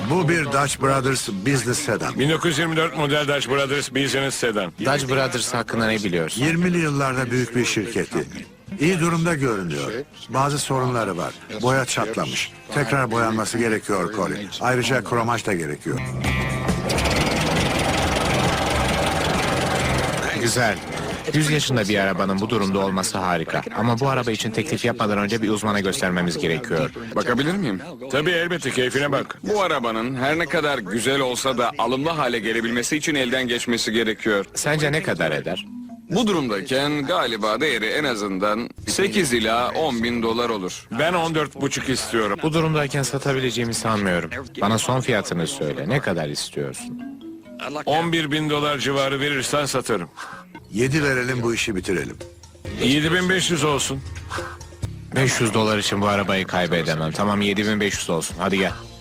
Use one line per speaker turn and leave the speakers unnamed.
Bu bir Dutch Brothers Business Sedan.
1924 model Dutch Brothers Business Sedan.
Dutch Brothers hakkında ne biliyorsun?
20'li yıllarda büyük bir şirketi. İyi durumda görünüyor. Bazı sorunları var. Boya çatlamış. Tekrar boyanması gerekiyor Colin. Ayrıca kromaj da gerekiyor.
Güzel. 100 yaşında bir arabanın bu durumda olması harika. Ama bu araba için teklif yapmadan önce bir uzmana göstermemiz gerekiyor.
Bakabilir miyim?
Tabii elbette, keyfine bak.
Bu arabanın her ne kadar güzel olsa da alımlı hale gelebilmesi için elden geçmesi gerekiyor.
Sence ne kadar eder?
Bu durumdayken galiba değeri en azından 8 ila 10 bin dolar olur.
Ben 14,5 istiyorum.
Bu durumdayken satabileceğimi sanmıyorum. Bana son fiyatını söyle. Ne kadar istiyorsun?
11.000 dolar civarı verirsen satarım.
7 verelim, bu işi bitirelim.
7.500 olsun.
500 dolar için bu arabayı kaybedemem. Tamam, 7500 olsun. Hadi gel.